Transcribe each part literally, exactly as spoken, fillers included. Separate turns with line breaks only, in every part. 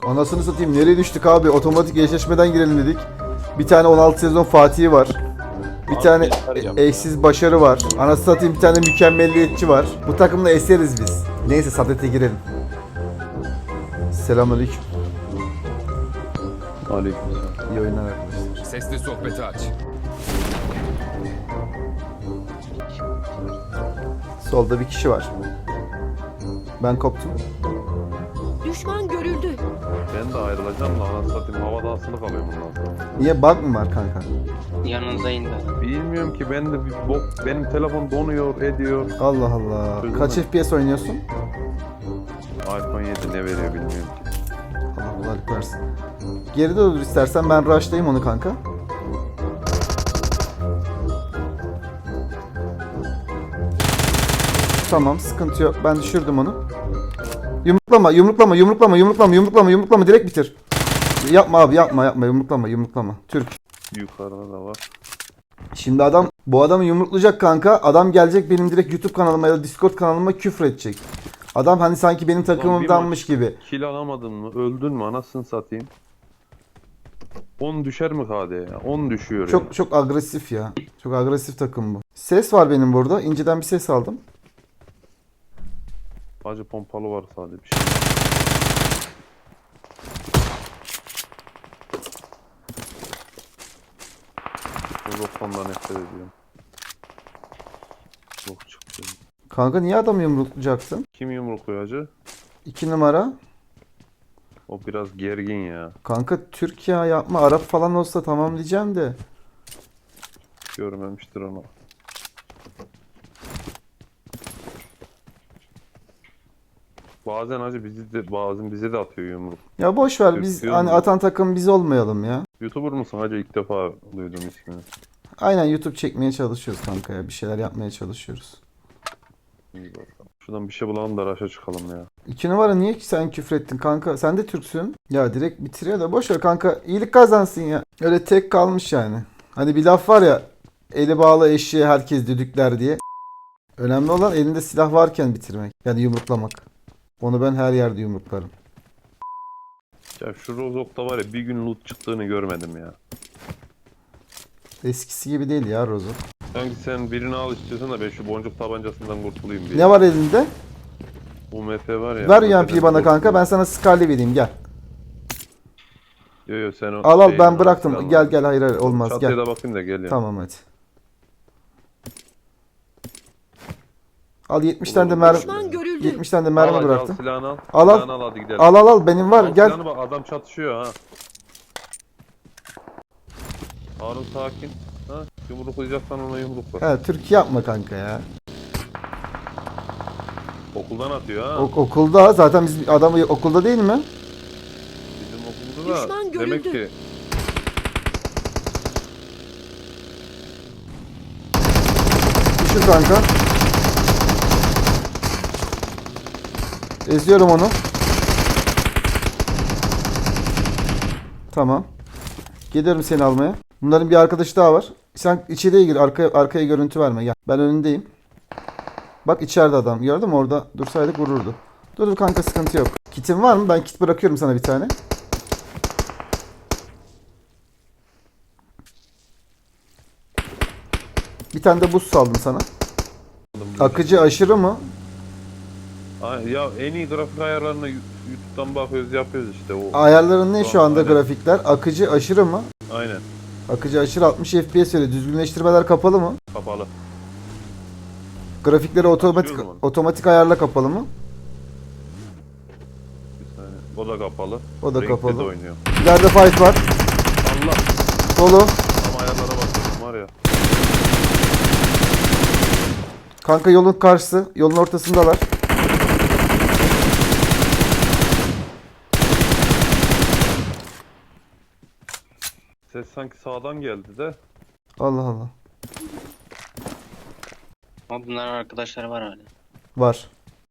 Anasını satayım, nereye düştük abi? Otomatik eşleşmeden girelim dedik. Bir tane on altı sezon Fatih'i var. Bir
Abi
tane
arayacağım
e- eşsiz başarı var. Anasını satayım, bir tane mükemmelliyetçi var. Bu takımda eseriz biz. Neyse, Sadet'e girelim. Selamünaleyküm.
Aleykümselam.
İyi oyunlar arkadaşlar.
Sesli sohbeti aç.
Solda bir kişi var. Ben koptum.
Düşman görüldü.
Ben de ayrılacağım da anasını satayım havada asılı kalıyorum bundan sonra.
Niye, bug mı var kanka?
Yanınıza indi.
Bilmiyorum ki ben de bir bok, benim telefon donuyor ediyor.
Allah Allah.
Duydun
Kaç
mu?
F P S oynuyorsun?
iPhone yedi ne veriyor bilmiyorum ki.
Allah kolaylık versin. Geride dur istersen, ben rush'layayım onu kanka. Tamam, sıkıntı yok. Ben düşürdüm onu. Yumruklama, yumruklama, yumruklama, yumruklama, yumruklama, yumruklama, direkt bitir. Yapma abi, yapma, yapma, yumruklama, yumruklama. Türk.
Yukarıda da var.
Şimdi adam, bu adamı yumruklayacak kanka. Adam gelecek benim direkt YouTube kanalıma ya da Discord kanalıma küfür edecek. Adam hani sanki benim takımımdanmış gibi.
Kill alamadın mı? Öldün mü? Anasını satayım. on düşer mi K D ya? on düşüyor ya.
Çok çok agresif ya. Çok agresif takım bu. Ses var benim burada. İnceden bir ses aldım.
Acı pompalı var sadece bir şey. Rozok'tan nefret ediyorum. Rozok çıktı.
Kanka niye adamı yumruklayacaksın?
Kim yumrukluyor acı?
İki numara.
O biraz gergin ya.
Kanka Türk ya, yapma. Arap falan olsa tamam diyeceğim de.
Görmemiştir onu. Bazen acı bizi de bazen bize de atıyor yumruk.
Ya boş ver, biz
Türk
hani
diyorum
atan takım biz olmayalım ya.
YouTuber musun acı? İlk defa duydum ismini.
Aynen, YouTube çekmeye çalışıyoruz kanka ya. Bir şeyler yapmaya çalışıyoruz.
İyi bakalım. Şuradan bir şey bulalım da raşa çıkalım ya.
İki numara niye ki sen küfrettin kanka? Sen de Türksün. Ya direkt bitiriyor da boş ver kanka. İyilik kazansın ya. Öyle tek kalmış yani. Hani bir laf var ya. Eli bağlı eşeğe herkes düdükler diye. Önemli olan elinde silah varken bitirmek. Yani yumruklamak. Onu ben her yerde yumruklarım.
Ya şu Rozok'ta var ya bir gün loot çıktığını görmedim ya.
Eskisi gibi değil ya Rozo.
Sanki sen birini al istiyorsan da ben şu boncuk tabancasından kurtulayım diye.
Ne var elinde?
U M P var ya.
Ver
U M
U M P'yi bana kanka. Ben sana Scarlet vereyim, gel.
Yo yo sen o
Al al,
şeyin
ben
al,
bıraktım.
silahını
Gel
al.
gel, hayır hayır olmaz,
Çatıya
gel.
da bakayım da gel ya.
Tamam hadi. Al yetmiş tane de
Olur,
mermi.
Düşman görüldü.
yetmiş tane de
Al,
mermi
hadi,
bıraktım.
Al silahını al.
Al, al.
Silahını al hadi gidelim.
Al al al, benim var,
Al
gel.
silahını bak, adam çatışıyor ha. Harun sakin. Ha, yumruklayacaksan ona yumrukla.
He, Türkiye yapma kanka ya.
Okuldan atıyor ha.
Ok- okulda zaten biz adamı okulda değil mi?
Bizim okulda da
Düşman
demek
görüldü.
ki
Düşür kanka. Eziyorum onu. Tamam. Geliyorum seni almaya. Bunların bir arkadaşı daha var. Sen içeriye gir. Arkaya, arkaya görüntü verme. Gel. Ben önündeyim. Bak içeride adam. Gördün mü? Orada dursaydık vururdu. Dur dur kanka, sıkıntı yok. Kitin var mı? Ben kit bırakıyorum sana bir tane. Bir tane de buz saldım sana. Akıcı aşırı mı?
Ay, ya en iyi grafik ayarlarına YouTube'dan bakıyoruz yapıyoruz işte o.
Ayarların ne şu anda
Aynen.
grafikler? Akıcı aşırı mı?
Aynen.
Akıcı aşırı altmış F P S veriyor. Düzgünleştirmeler kapalı mı?
Kapalı.
Grafikleri otomatik
Açıyorum onu.
otomatik ayarla kapalı mı?
Bir saniye. O da kapalı.
O da
Renkte
kapalı.
de oynuyor.
İleride fight var.
Allah.
Dolu.
Tam ayarlara bakıyorum var ya.
Kanka yolun karşısı. Yolun ortasındalar.
Ses sanki sağdan geldi de.
Allah Allah.
Ama bunların arkadaşları var hala.
Var.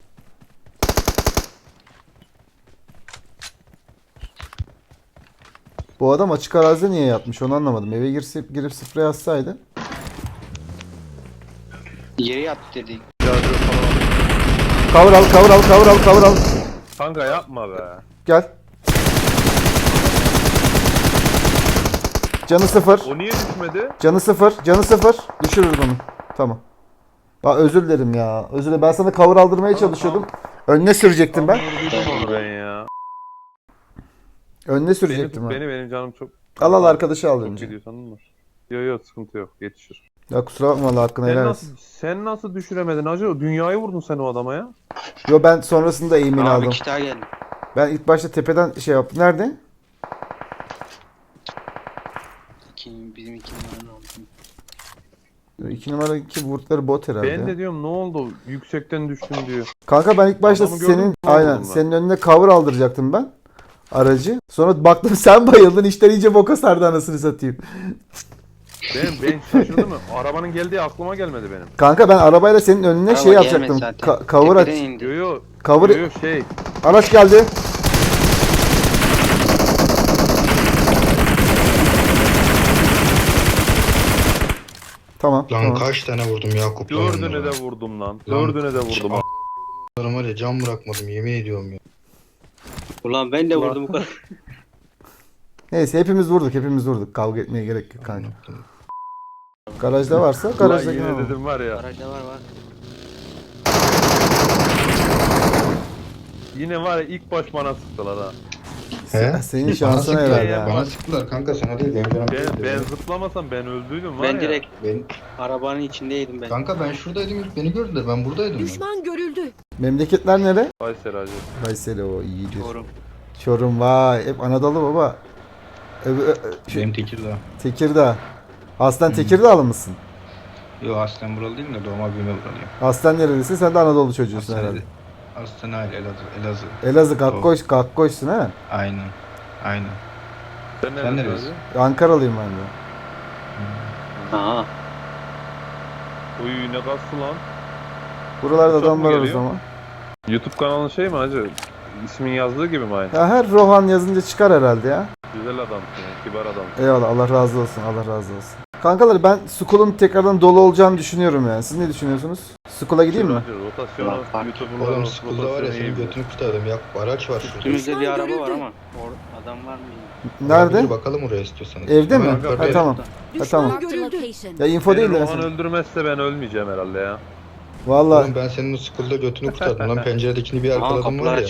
Bu adam açık arazide niye yatmış onu anlamadım. Eve girse, girip sprey atsaydı.
Yere yat dedik.
Biraz böyle falan.
Cover al, cover al, cover al, cover al.
Kanka yapma be.
Gel. Canı sıfır.
O niye düşmedi?
Canı sıfır. Canı sıfır. Düşürürüz onu. Tamam. Aa, özür dilerim ya. Özür dilerim. Ben sana cover aldırmaya
Tamam,
çalışıyordum. Önüne sürecektim ben.
Tam vurduydum onu ben ya.
Önüne
Beni,
sürecektim ben.
beni benim canım çok...
Al al arkadaşı al
Çok
önce.
gidiyor sandım mı? Yok yok sıkıntı yok yetişir.
Ya kusura bakma Allah hakkını
Sen
helal
nasıl,
etsin.
sen nasıl düşüremedin hacı? Dünyayı vurdun sen o adama ya.
Yo ben sonrasında eğimini
Abi
aldım.
iki daha geldi.
Ben ilk başta tepeden şey yaptım. Nerede?
İki, bizim iki numaranın aldım.
İki numara iki vurtları bot herhalde.
Ben
ya.
de diyorum ne oldu? Yüksekten düştüm diyor.
Kanka ben ilk başta
Adamı gördüm,
senin
ne oldu
aynen
bunlar?
senin önüne cover aldıracaktım ben. Aracı. Sonra baktım sen bayıldın. İşler iyice boka sardı anasını satayım.
Ben, ben şaşırdım mı? Arabanın geldiği aklıma gelmedi benim.
Kanka ben arabayla senin önüne
Araba
şey
gelmedi
yapacaktım.
zaten.
Ka- cover aç.
Tepeden indi.
Yo yo.
Cover
Yo yo şey.
araç geldi. Tamam.
Lan
tamam.
kaç tane vurdum Yakup lan
Dördüne
onlara.
de vurdum lan.
Lan,
Dördüne de vurdum.
Onlara var ya can bırakmadım yemin ediyorum ya.
Ulan ben de
Ulan.
vurdum bu kadar.
Neyse hepimiz vurduk. Hepimiz vurduk. Kavga etmeye gerek yok kanka. Garajda varsa
Ulan
garajda
yine
gene
dedim var ya.
Aracda var var.
Yine var ya ilk baş bana sıktılar ha.
He?
Senin
Bana
şansına
sıktılar
herhalde
ya.
ha.
Bana sıktılar kanka sana değil benim canım.
Ben,
değildi.
ben zıplamasam ben öldüydüm var
Ben
ya.
direkt
Ben,
arabanın içindeydim ben.
kanka ben şuradaydım ilk beni gördüler ben buradaydım. Ben.
Düşman görüldü.
Memleketler nere?
Kayseri hacı.
Kayseri o iyidir.
Çorum.
Çorum vay. Hep Anadolu baba. Öbür, ö- ö- şey,
Benim Tekirdağ.
Tekirdağ. Aslen Tekirdağlı mısın?
Yo aslen buralı değilim de doğma büyüme buralıyım.
Aslen nerelisin? Sen de Anadolu çocuğusun herhalde.
Aslen aile Elazığ. Elazığ.
Elazığ Kakkoş, Kakkoş'sun ha?
Aynen. Aynen.
Sen,
Sen
neredesin
neresi?
hacı?
Ankaralıyım ben de.
Aha.
Uy ne kastı lan.
Buralarda
Çok
adam
mu
var o
geliyor?
zaman.
YouTube kanalın şey mi hacı? İsmin yazdığı gibi mi aynı?
Ya her Rohan yazınca çıkar herhalde ya.
Güzel adamsın ya, kibar adamsın.
Eyvallah Allah razı olsun Allah razı olsun. Kankalar ben Skull'un tekrardan dolu olacağını düşünüyorum yani. Siz ne düşünüyorsunuz? Skull'a gideyim mi?
Hacı, rotasyonu,
Ulan fark-
YouTube'un
Oğlum
rot-
sıkıldı var ya
rotasyonu iyi
senin
bilir.
götünü kurtardım Yakup araç var şurada.
Üstümüzde bir
Düşman
araba var
görüldü.
ama. Or adam var mı?
Nerede?
Bir bakalım oraya istiyorsanız.
Evde mi?
Hemen
Ha
yukarıda.
tamam.
Düşman
tamam.
görüldü.
Ya info
Beni
değil de.
Rohan öldürmezse ben ölmeyeceğim herhalde ya.
Valla
Oğlum ben senin o sıkılda götünü kurtardım lan penceredekini bir
Aa,
arkaladım
kapılar
var ya.
açık.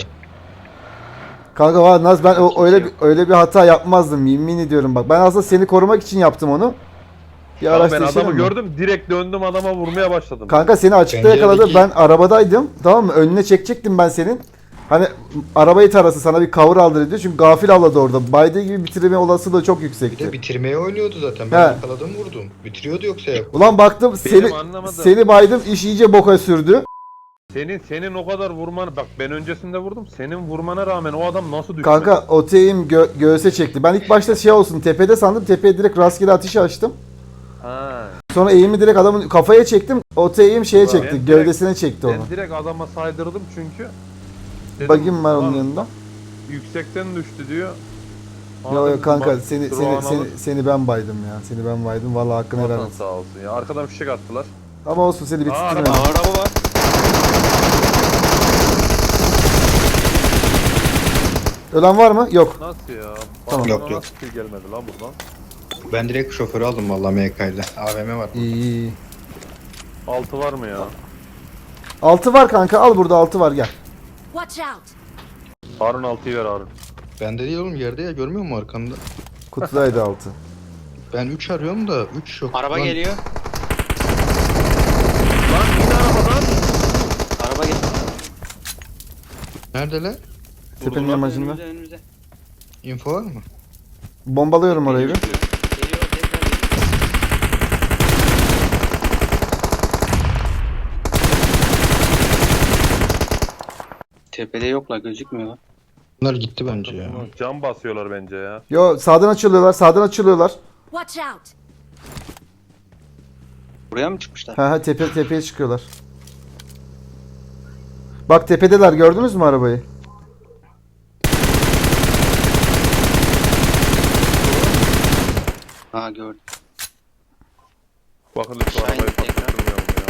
kanka valla Naz ben o, öyle bir, öyle bir hata yapmazdım yemin ediyorum bak. Ben aslında seni korumak için yaptım onu. Bir
Ya
araç
ben
değiştirelim
adamı
mi?
gördüm direkt döndüm adama vurmaya başladım.
Kanka seni açıkta
Penceredeki-
yakaladı. Ben arabadaydım. Tamam mı? Önüne çekecektim ben senin. Hani arabayı tarası sana bir cover aldır diyor. Çünkü gafil avladı orada. Baydığı gibi bitirme olasılığı çok
Bir de
yüksekti.
bitirmeye oynuyordu zaten.
He.
Ben yakaladım vurdum. Bitiriyordu yoksa Yakup.
Ulan baktım seni
anlamadım.
seni baydım iş iyice boka sürdü.
Senin senin o kadar vurman bak ben öncesinde vurdum. Senin vurmana rağmen o adam nasıl düşmedi?
Kanka oteyim gö- göğse çekti. Ben ilk başta şey olsun tepede sandım. Tepeye direkt rastgele atış açtım.
Ha.
Sonra eğimi direkt adamın kafaya çektim. Oteyim şeye
Ulan
çekti.
ben direkt-
Gövdesine çekti onu.
Ben direkt adama saydırdım çünkü. Dedim,
Bagim var onun
"Ulan
yanında.
Yüksekten düştü diyor.
Yo yo
Dedim,
kanka
bak,
seni
dur
seni
o
seni,
analı-
seni ben baydım ya. Seni ben baydım. Vallahi hakkını helal
Vatan
olsun.
sağ olsun ya. Arkadan fişek attılar.
Ama olsun seni
Aa,
bitirtmedim.
Aa, araba var.
Ölen var mı? Yok.
Nasıl ya?
Tamam.
Bana
Yok, yok.
Nasıl kill gelmedi lan buradan?
Ben direkt şoförü aldım vallahi M K ile. A V M var.
İyi iyi.
Altı var mı ya?
Altı var kanka. Al burada altı var gel.
Watch out.
Harun altıyı ver Harun.
Bende değil oğlum yerde ya görmüyor musun arkanda?
Kutudaydı altı.
Ben üç arıyorum da üç yok.
Araba
Lan,
geliyor.
Lan in arabadan.
Araba geliyor.
Neredeler?
Tepenin yamacında.
Önümüzde önümüzde.
Info var mı?
Bombalıyorum orayı bir.
Geliyor tekrar geliyor. Tepede yoklar gözükmüyorlar.
Bunlar gitti bence ya.
Cam basıyorlar bence ya.
Yo sağdan açılıyorlar. Sağdan açılıyorlar.
Watch out.
Buraya mı çıkmışlar?
Ha ha tepe tepeye çıkıyorlar. Bak tepedeler gördünüz mü arabayı?
Ha gördüm.
Bakın şu
Aşağı
arabayı
in tekrar.
patlattırmayalım ya.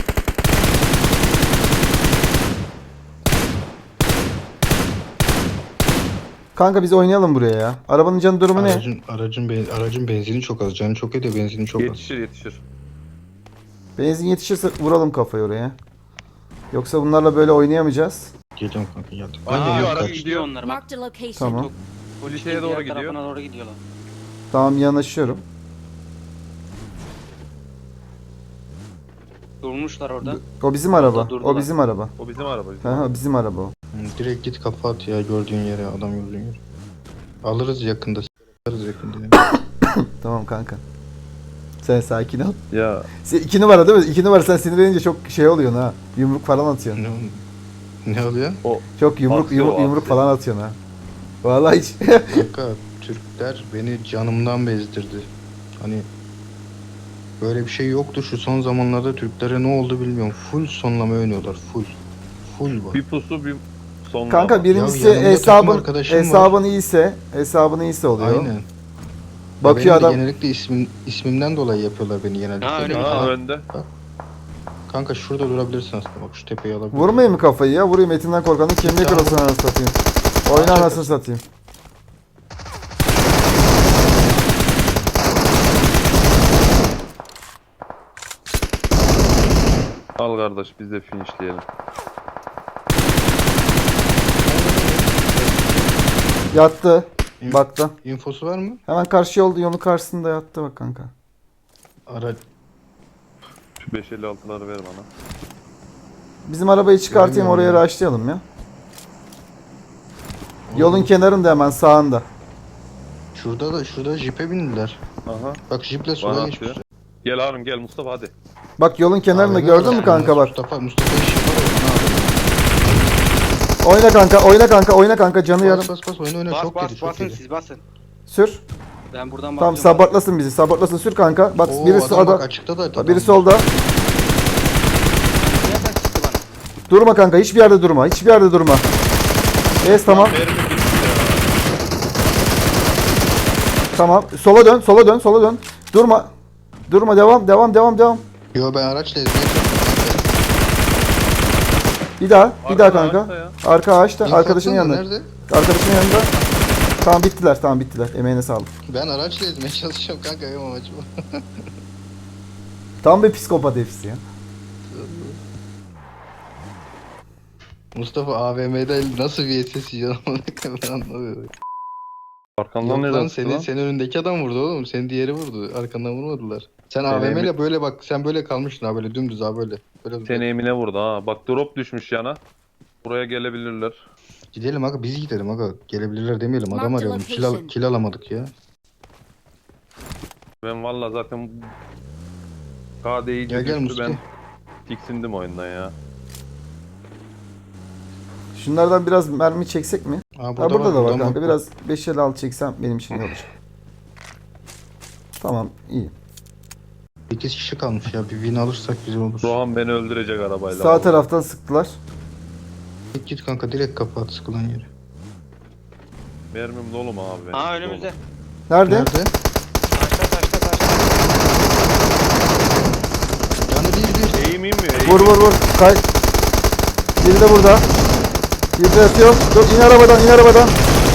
Kanka biz oynayalım buraya ya. Arabanın canı durumu ne?
Aracın, aracın, ben- aracın benzini çok az. Canı çok ediyor, benzini çok az.
Yetişir yetişir.
Benzin yetişirse vuralım kafayı oraya. Yoksa bunlarla böyle oynayamayacağız.
Geliyorum kanka geldim.
Aa,
Ben de
gidiyor,
yok,
araç
kaç-
gidiyor.
onlar bak.
Marked a location.
Tamam.
Polisin
Şeye doğru
diğer
gidiyor.
tarafına doğru gidiyorlar.
Tamam yanaşıyorum.
Durmuşlar orada.
O bizim araba. O
durdular.
bizim araba.
O bizim araba. Bizim
Ha, bizim araba o.
Hı, direkt git kafa at ya gördüğün yere, adam gördüğün yere. Alırız yakında. Alırız yakında. Yani.
Tamam kanka. Sen sakin ol.
Ya
Sen iki numara değil mi? İki numara sen sinirlenince çok şey oluyorsun ha. Yumruk falan atıyorsun.
ne, ne oluyor?
o
Çok yumruk
Aksiyon,
yumruk, yumruk
aksiyon.
falan atıyorsun ha. Vallahi hiç.
Kanka Türkler beni canımdan bezdirdi. Hani böyle bir şey yoktu şu son zamanlarda, Türklere ne oldu bilmiyorum. Full sonlama oynuyorlar, full. Full bak.
bir pusu bir son.
Kanka birincisi
Ya yanımda takım
hesabın
arkadaşım var.
hesabın iyiyse, hesabın iyiyse oluyor.
Aynen.
Bakıyor
Benim de
adam.
Genellikle ismim, ismimden dolayı yapıyorlar beni genellikle.
Ha, öyle mi?
Ha
Kanka-
önde.
Kanka şurada durabilirsin aslında, bak şu tepeyi alabilirsin.
Vurmayayım mı kafayı ya? Vurayım, etinden korkanın kemiği
Tamam.
kırılsın anasını satayım. Oyna anasını satayım.
Al kardeş biz de finishleyelim.
Yattı.
İn-
Baktı.
Infosu var mı?
Hemen karşı yolda, yolun karşısında yattı bak kanka.
Ara
Şu beş elli altıları ver bana.
Bizim arabayı çıkartayım,
Göremiyorum
oraya
ya.
rushlayalım ya. Yolun kenarında hemen sağında.
Şurada da şurada jipe bindiler.
Aha.
Bak jiple
Bana
sola
atıyor.
geçmişler.
Gel Harun gel Mustafa hadi.
Bak yolun kenarında
Abi,
gördün mü
abi,
kanka bak.
Mustafa Mustafa iş yapar o,
Oyna kanka, oyna kanka, oyna kanka, canı
bana
yarım.
abi. Bas bas bas oyna oyna,
Bas
çok
bas
yedi çok
basın
yedi.
siz basın.
Sür.
Ben buradan
Tamam,
bakıyorum.
sabotlasın bizi, sabotlasın, sür kanka. Bak
Oo,
birisi
adam bak
ada,
açıkta da adam.
biri solda.
Nereden çıktı bana?
Durma kanka, hiçbir yerde durma, hiçbir yerde durma. Es tamam,
Mermi gitti ya.
tamam. Sola dön, sola dön, sola dön. Durma. Durma, devam, devam, devam, devam.
Yo ben araçla ezmeye çalışıyorum.
Bir daha, bir daha
Arkada
kanka.
ağaçta ya.
Arka ağaçta,
İnfo
arkadaşının
atsana,
yanında.
Nerede?
Arkadaşının yanında. Tamam bittiler, tamam bittiler. Emeğine sağlık.
Ben araçla ezmeye çalışıyorum kanka, benim amacım o.
Tam bir psikopat hepsi ya.
Mustafa A V M'de nasıl bir S S yiyor ama ben anlamıyorum.
Arkandan
Yok
neden
lan,
çıktı
senin,
lan?
senin önündeki adam vurdu oğlum. Senin diğeri vurdu. Arkandan vurmadılar. Sen
Seni
A V M ile
emin-
böyle bak, sen böyle kalmıştın ha, böyle dümdüz ha, böyle. Böyle
Seni Emine vurdu ha. Bak drop düşmüş yana. Buraya gelebilirler.
Gidelim aga, biz gidelim aga. Gelebilirler demeyelim, adam
Mark the
arayalım. Kill, al-
location.
kill alamadık ya.
Ben valla zaten K D iyice
Gel gel
düştü, ben
Musti.
tiksindim oyundan ya.
Şunlardan biraz mermi çeksek mi?
Ha,
Ha burada da var
buradan
kanka.
bak.
Biraz beş el altı çeksem benim için iyi olacak. Tamam, iyi.
sekiz kişi kalmış ya, bir win alırsak güzel olur.
Rohan beni öldürecek arabayla.
Sağ taraftan sıktılar.
Git git kanka, direkt kapat sıkılan yeri.
Mermim dolu mu abi benim?
Aa
Dolu.
önümüzde.
Nerede?
Nerede?
Taşta taşta taşta.
Canı değil değil.
Eğim inmiyor. Eğim.
Vur vur vur. Kay. Biri de burada. Biri de yatıyor. Dur, in arabadan, in arabadan.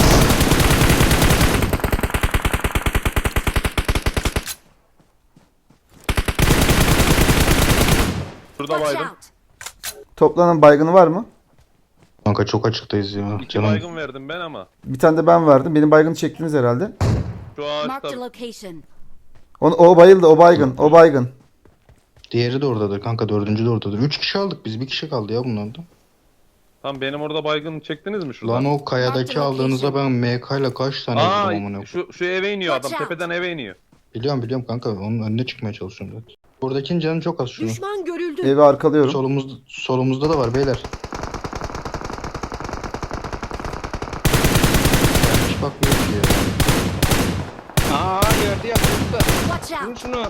Şurada
Watch
baygın.
out.
Toplanan baygını var mı?
Kanka çok açıktayız ya.
İki
Canım.
baygın verdim ben ama.
Bir tane de ben verdim. Benim baygını çektiniz herhalde.
Şu
Marked a
ağaçta
location.
O, o bayıldı, o baygın, o baygın.
Diğeri de oradadır kanka, dördüncü de oradadır. Üç kişi aldık biz, bir kişi kaldı ya bunlardan.
tam benim orada baygın çektiniz mi şuradan?
Lan o kayadaki
Marked
aldığınızda
location.
ben M K ile kaç tane vurdum amına.
Aa şu, şu eve iniyor adam.
Watch out.
Tepeden eve iniyor.
Biliyorum biliyorum kanka, onun önüne çıkmaya çalışıyorum zaten. Buradakinin canı çok az şunu.
Düşman görüldü.
Evi arkalıyorum.
Solumuz, solumuzda da var beyler. Hiç bakmıyor ki ya.
Aa yerde yatıyor burada.
Watch
Vurun
out.
şunu.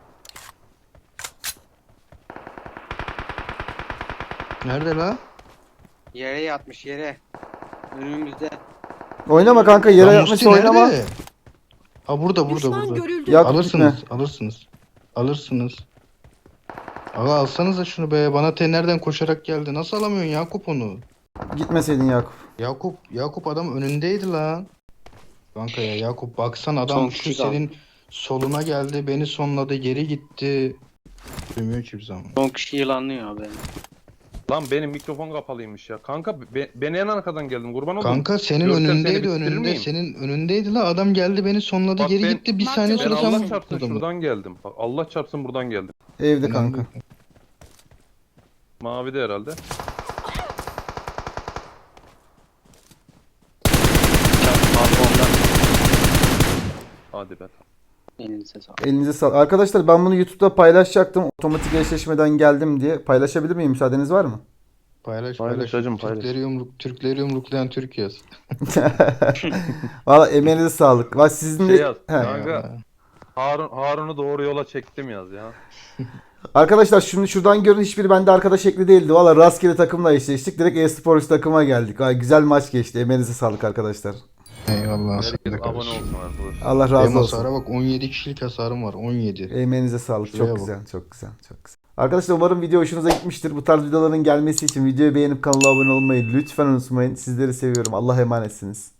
Nerede la?
Yere yatmış yere. Önümüzde.
Oynama kanka, yere
Lan
yatmış
Musti
oynama.
nerede? Ha burada burada
Düşman
burada.
görüldü.
Ya-
Alırsınız
gitme.
alırsınız. Alırsınız. Aga alsanıza şunu be. Bana te nereden koşarak geldi. Nasıl alamıyorsun Yakup onu?
Gitmeseydin Yakup.
Yakup, Yakup adam önündeydi lan. Kanka ya Yakup baksan adam
Son
şu
kişi kaldı.
senin soluna geldi, beni sonladı, geri gitti. Duymuyor ki bir zaman.
Son kişi yılanlıyor abi.
Lan benim mikrofon kapalıymış ya. Kanka be, ben en arkadan geldim kurban oldum.
Kanka senin
Görsem seni
önündeydi,
bitirir
önünde
miyim?
senin önündeydi la, adam geldi beni sonladı,
Bak
geri
ben-
gitti, bir
Bak
saniye
ben
Ben
sonra sen
Allah
mi
çarpsın
adamı?
şuradan geldim. Bak Allah çarpsın buradan geldim.
Evde kanka.
Mavi de herhalde.
Abi ondan.
Hadi be.
Elinize sağlık.
Elinize sağlık. Arkadaşlar ben bunu YouTube'da paylaşacaktım. Otomatik eşleşmeden geldim diye. Paylaşabilir miyim? Müsaadeniz var mı?
Paylaş
Paylaş
paylaş.
hacım, paylaş.
Türkleri, yumruk, Türkleri yumruklayan Türk yaz.
Valla emeğinize sağlık. Valla sizin de...
Şey yaz.
He.
Kanka Harun, Harun'u doğru yola çektim yaz ya.
Arkadaşlar şunu şuradan görün, hiçbiri bende arkadaş ekli değildi. Valla rastgele takımla eşleştik. Direkt e-sporcu takıma geldik. Valla güzel maç geçti. Emeğinize sağlık arkadaşlar.
Eyvallah.
Herkes
sana
abone
kardeşim.
olsun arkadaşlar.
Allah
Benim
razı
hasara
olsun.
bak, on yedi kişilik hasarım var, on yedi.
Emeğinize sağlık.
Şuraya
Çok
bak.
güzel. Çok güzel. Çok güzel. Arkadaşlar umarım video hoşunuza gitmiştir. Bu tarz videoların gelmesi için videoyu beğenip kanala abone olmayı lütfen unutmayın. Sizleri seviyorum. Allah'a emanetsiniz.